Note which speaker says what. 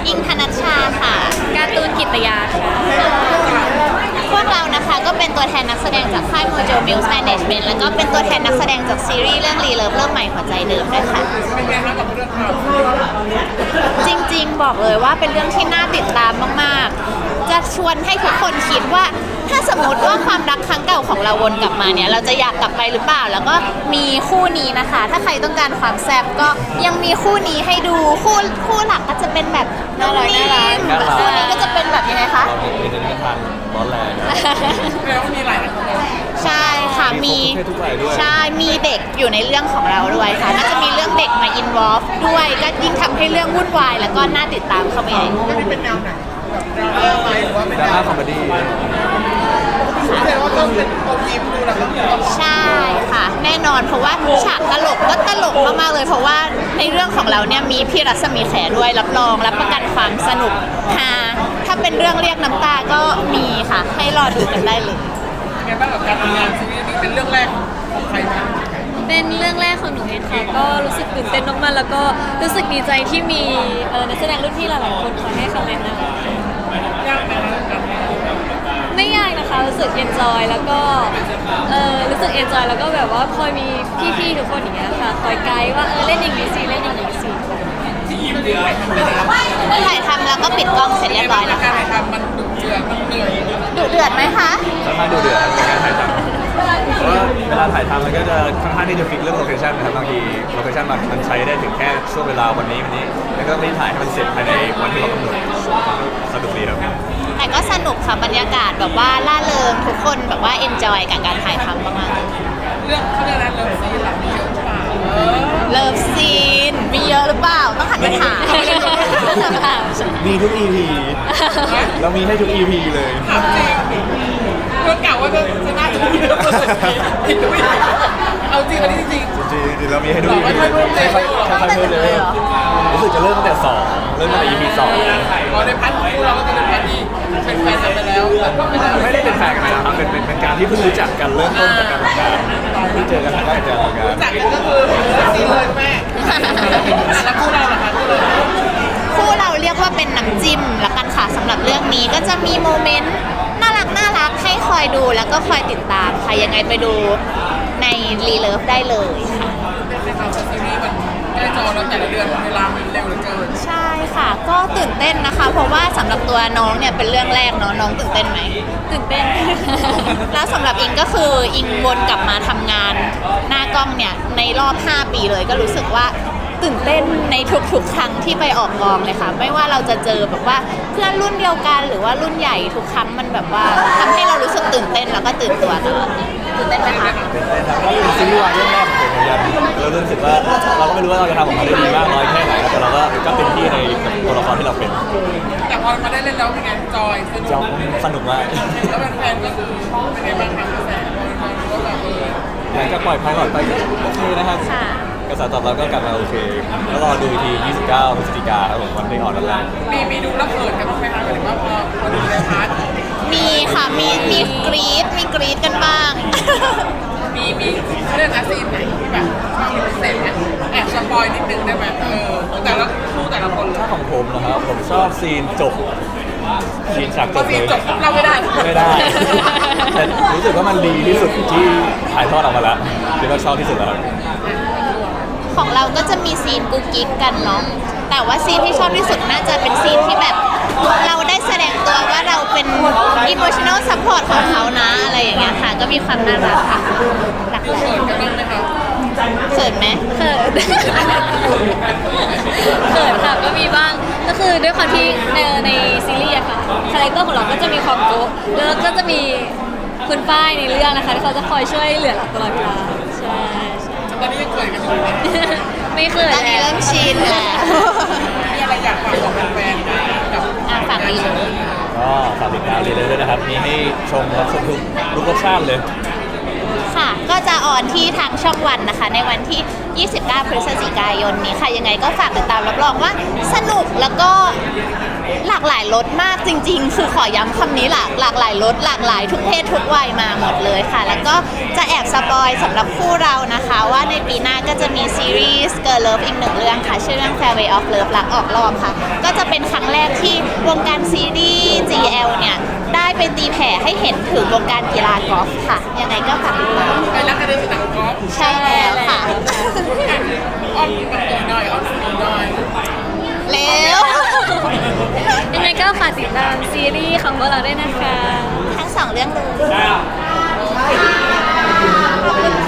Speaker 1: อิงธนัชชาค่ะ
Speaker 2: การ์ตูนกิตยาค่ะ
Speaker 1: พวกเรานะคะก็เป็นตัวแทนนักแสดงจากค่าย Mojo Mills Management แล้วก็เป็นตัวแทนนักแสดงจากซีรีส์เรื่องรีเลิฟเริ่มใหม่หัวใจเดิมด้วยค่ะ
Speaker 3: เป็นไงคะกับเรื่องราว
Speaker 1: จริงๆบอกเลยว่าเป็นเรื่องที่น่าติดตามมากๆจะชวนให้ทุกคนคิดว่าถ้าสมมติว่าความรักครั้งเก่าของเราวนกลับมาเนี่ยเราจะอยากกลับไปหรือเปล่าแล้วก็มีคู่นี้นะคะ ถ้าใครต้องการความแซ่บก็ยังมีคู่นี้ให้ดูคู่หลักก็จะเป็นแบบน่ารักคู่นี้ก็จะเป็นแบบยังไงคะ
Speaker 4: มีแต่นิทานร้อนแรงนะ
Speaker 3: แล้วมีหลายคน
Speaker 1: ใช่ค่ะมีใช่มีเด็กอยู่ในเรื่องของเราด้วยค่ะน่าจะมีเรื่องเด็กมาอินวอล์ฟด้วยก็ยิ่งทำให้เรื่องวุ่นวายแล้วก็น่าติดตามเข้าไปใหญ่
Speaker 3: เรื่องนี้เป็นแนวไหนแบบดราม่าไหมหรือว่าเป็น
Speaker 4: ดราม่าคอมเมดี้
Speaker 3: แสดงว่าต้องเป็นอมยิ้มดูแล้วก็
Speaker 1: ใช่ค่ะแน่นอนเพราะว่าฉากตลกก็ตลกมากๆเลยเพราะว่าในเรื่องของเราเนี่ยมีพี่รัศมีแขด้วยรับรองรับประกันความสนุกฮาถ้าเป็นเรื่องเรียกน้ำตาก็มีค่ะให้รอดูกันได้เลย
Speaker 3: ไงบ้างกับการทำงานซีรีส์นี้เป็นเรื่องแรกของใครบ้าง
Speaker 2: เป็นเรื่องแรกของหนูเองค่ะก็รู้สึกตื่นเต้นมากๆแล้วก็รู้สึกดีใจที่มีนักแสดงรุ่นพี่หลายๆคนคอยให้คำแนะน
Speaker 3: ยากไหมคะกับ
Speaker 2: ำไม่ยากนะคะรู้สึกเอนจอยแล้วก็รู้สึกเอนจอยแล้วก็แบบว่าคอยมีพี่ๆทุกคนอย่างเงี้ยค่ะคอยไกด์ว่าเล่นอย่างนี้สิเล่นอย่างนี้สิ
Speaker 3: ที่ยิ้มเดือด
Speaker 1: ถ่ายทำแล้วก็ปิดกล้องเสร็จเรียบร้อยแล้ว
Speaker 3: การ
Speaker 1: ค่ะ
Speaker 3: ถ่ายทำมันดุเดือดมันเหนื่อย
Speaker 1: ดุเดือดไหมคะ
Speaker 4: ค่อนข้างดูเดือดในการถ่ายทำเพราะว่าเวลาถ่ายทำมันก็จะค่อนข้างที่จะฟิกเรื่องโลเคชั่นนะครับบางทีโลเคชั่นมันใช้ได้ถึงแค่ช่วงเวลาวันนี้แล้วก็ไม่ถ่ายให้มันเสร็จภายในวันที่เรากำหนดสนุกดีครับ
Speaker 1: แต่ก็สนุกค่ะบรรยากาศแบบว่าล่าเริงทุกคนแบบว่าเอนจอยกับการถ่ายทำมากๆ
Speaker 3: เรื่องเขาเรียกอะไรเลิฟซีนหลังเยอะกว่า
Speaker 1: เลิฟซีนมีเยอะหรือเปล่าต้องหันไปถาม
Speaker 4: มีทุก EP เรามีให้ทุก EP เลย
Speaker 3: ถามจริงเรื่องเก่าว่าจะน่าจะมีเรื่องผิดด้วยเอาจริงอันนี้จริง
Speaker 4: จริงๆเรามีให้ทุก EP
Speaker 3: ค่อยๆเพิ่มเลย
Speaker 4: ค่อยๆเพิ่มเลยรู้สึกจะเริ่มตั้งแต่2เริ่มตั้งแต่ EP 2
Speaker 3: พอในพันธุ์คู่เราก็จะเป็นแฟนที่เป็นแฟนกันไปแล้วแต่ก็ไม่ได้
Speaker 4: ไม่ได้เป็นแฟนกันนะครับเป็นการที่เพิ่งรู้จักกันเริ่มต้นจากการทำงานที่เจอกันครั้งแรกจากการทำงาน
Speaker 3: จากกันก็คือซีเลยแม่แล้วคู่เราล่ะคะคู่เรา
Speaker 1: คู่เราเรียกว่าเป็นน้ำจิ้มละกันค่ะสำหรับเรื่องนี้ก็จะมีโมเมนต์น่ารักให้คอยดูแล้วก็คอยติดตามค่ะยังไงไปดูในรีเลิฟได้เลยค่ะ
Speaker 3: ในข่าวซีรีส์มันใกล้จอแล้วแต่ละเดือนเวลามันเร็วเหลือเกิน
Speaker 1: ใช่ค่ะก็ตื่นเต้นนะคะ เพราะว่าสำหรับตัวน้องเนี่ยเป็นเรื่องแรกเนาะน้องตื่นเต้นไหม
Speaker 2: ตื่นเต้น
Speaker 1: แล้วสำหรับอิงก็คืออิงวนกลับมาทำงานหน้ากล้องเนี่ยในรอบ 5 ปีเลยก็รู้สึกว่าตื่นเต้นในทุกๆครั้งที่ไปออกกองเลยค่ะไม่ว่าเราจะเจอแบบว่าเพื่อนรุ่นเดียวกันหรือว่ารุ่นใหญ่ทุกครั้งมันแบบว่าทำให้เรารู้สึกตื่นเต้นแล้วก็ตื่นตัวตลอดตื่นเต้นไหมคะ
Speaker 4: เป็นซีรีส์วายเรื่องแรกของผมเหมือนกันเรารู้สึกว่าเราก็ไม่รู้ว่าเราจะทำออกมาได้ดีมากน้อยแค่ไหนแต่เราก็เป็นที่ในตัวละครที่เราเป็น
Speaker 3: แต่พอมาได้เล่นแล้วเป็นไงจอยสนุก
Speaker 4: จอมสนุกมาก
Speaker 3: แล้วแฟนๆก็คือเป็นไงบ้างคะกระแสก็แบบ
Speaker 4: หลังจากปล่อยพายก่อนไปก็โอเคนะครับ
Speaker 1: ค่ะ
Speaker 4: กระแสตอบรับก็กลับมาโอเคแล้วรอดูอีกที 29 พฤศจิกายนครับผมวันได้ออนวันแรก
Speaker 3: มีดูแล้วเขินกันบ้างไหมคะหมายถึงว่าพอดูในพาร์ท
Speaker 1: มีค่ะมีกรี๊ดกันบ้าง
Speaker 3: มีเรื่องอาซีนไหนที่แบบชอบเป็นพิเศษไหมแอบสปอยนิดนึงได้ไหมแต่ละคู่แต่ละคน
Speaker 4: ถ้าของผมนะครับผมชอบซีนจบซีนฉากจ
Speaker 3: ก็
Speaker 4: บ
Speaker 3: ซี
Speaker 4: เล
Speaker 3: น
Speaker 4: ย
Speaker 3: จบเราไม่ได้
Speaker 4: ไม่ได้แต่รู้สึกว่ามันดีที่สุดที่ถ่ายทอดออกมาแล้วคิดว่าชอบที่สุดแล้วครับ
Speaker 1: ของเราก็จะมีซีนกุ๊กกิ๊กกันเนาะแต่ว่าซีนที่ชอบที่สุดน่าจะเป็นซีนที่แบบเราได้แสดงตัวว่าเราเป็น emotional support ของเขานะอะไรอย่างเงี้ยค่ะก็มีความน่ารักค่ะหลัก
Speaker 3: เขินกันบ้างไหมคะ
Speaker 1: เขินไหม
Speaker 2: เขิน เขินค่ะก็มีบ้างก็คือด้วยความที่ในซีรีส์อะค่ะคาแรคเตอร์ของเราก็จะมีความโก๊ะแล้วก็จะมีคุณป้ายในเรื่องนะคะที่เขาจะคอยช่วยเหลือเราตลอดเวลาใช่
Speaker 3: ตอนนี้ยังเขินกันอยู่ไหม
Speaker 2: ไม่เขิน
Speaker 1: ตอนนี้
Speaker 2: แล้ว
Speaker 1: เริ่มชินแล้ว
Speaker 3: มีอะไรอยากฝากบอกแฟนๆกับ
Speaker 1: ฝากดีเลย
Speaker 4: ก็ฝากติดตามเลยด้วยนะครับมีให้ชมรับชมทุกรสชาติเลย
Speaker 1: ค่ะ ก็จะออนที่ทางช่องวันนะคะ ในวันที่ 29 พฤศจิกายนนี้ค่ะ ยังไงก็ฝากติดตามรับรองว่าสนุกแล้วก็หลากหลายรสมากจริงๆ คือขอย้ำคำนี้หลากหลายรสหลากหลายทุกเพศทุกวัยมาหมดเลยค่ะ แล้วก็จะแอบสปอยสำหรับคู่เรานะคะ ว่าในปีหน้าก็จะมีซีรีส์ Girl Love อีกหนึ่งเรื่องค่ะ ชื่อเรื่อง Fairway of Love รักออกรอบค่ะ ก็จะเป็นครั้งแรกที่วงการซีรีส์ GL เนี่ยได้ไปตีแผ่ให้เห็นถึงวงการกีฬากอล์ฟค่ะ ยังไงก็ฝากติดตาม
Speaker 3: ไปรักกันในสนามกอล์ฟ
Speaker 1: ใช่แล้วค่ะ
Speaker 3: อ้อมกับตัวหน่อยอ้อมสีหน่อย
Speaker 1: เร็ว
Speaker 2: ยังไงก็ฝากติดตามซีรีส์ของพวกเราด้วยนะคะ
Speaker 1: ทั้งสองเรื่องเลย
Speaker 2: ขอบคุณ